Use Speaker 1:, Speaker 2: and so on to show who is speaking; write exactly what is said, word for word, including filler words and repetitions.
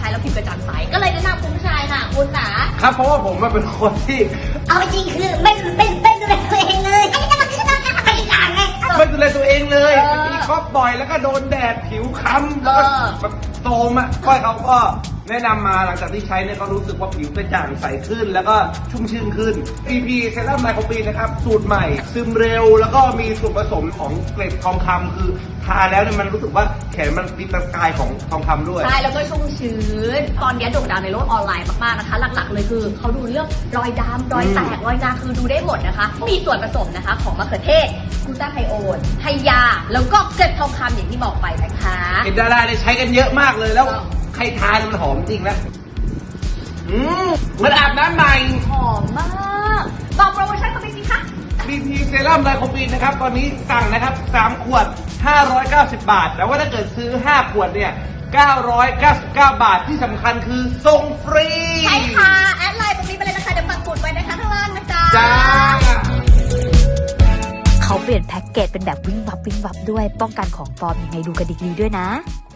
Speaker 1: แล้วผิวกระจ่างใสก็เลยแนะนำคุณผู้ชายค่ะคุณหนา
Speaker 2: ครับเพราะว่าผมเป็นคนที่
Speaker 3: เอาจริงคือไม่ไม่ไม่ดูแลตัวเองเลยอันนี้ก็ต้องต้องทำอะไรอย่างไง
Speaker 2: ไม่ดูแลตัวเองเลยมีครอบบ่อยแล้วก็โดนแดดผิวค้ำแล้วก็แบบโทรมอ่ะก้อยเขาก็แนะนำมาหลังจากที่ใช้เนี่ยก็รู้สึกว่าผิวกระจ่างใสขึ้นแล้วก็ชุ่มชื่นขึ้น พี พี เซรั่มไมโครปีนนะครับสูตรใหม่ซึมเร็วแล้วก็มีส่วนผสมของเกล็ดทองคำคือทาแล้วเนี่ยมันรู้สึกว่าแขนมันมีประกายของทองคำด้วย
Speaker 1: ใช่แล้วก็ชุ่มชื้นตอนนี้โด่งดังในโลกออนไลน์มากๆนะคะหลักๆเลยคือเขาดูเรื่องรอยดำรอยแตกรอยนาคือดูได้หมดนะคะมีส่วนผสมนะคะของมะเขือเทศกลูตาไทโอนไฮยาแล้วก็เกล็ดทองคำอย่างที่บอกไปนะคะ
Speaker 2: เห็นดาราเนี่ยใช้กันเยอะมากเลยแล้วใครทานมันหอมจริงนะอืมเหมือนอาบน้ำใหม่
Speaker 1: หอมมากบอกโปรโมชั่นเข้าไปสิคะ
Speaker 2: พี พี เซรั่มไมโครปีนนะครับตอนนี้สั่งนะครับสามขวดห้าร้อยเก้าสิบบาทแต่ว่าถ้าเกิดซื้อห้าขวดเนี่ยเก้าร้อยเก้าสิบเก้าบาทที่สำคัญคือส่งฟรี
Speaker 1: ใช่ค่ะแอดไลน์ตรงนี้ไปเลยนะคะเดี๋ยวปักหมุดไว้นะคะข้างล่างนะจ๊ะ
Speaker 2: จ้า
Speaker 4: เขาเปลี่ยนแพ็กเกจเป็นแบบวิ่งวับวิ่งวับด้วยป้องกันของปลอมยังไงดูกันดีๆด้วยนะ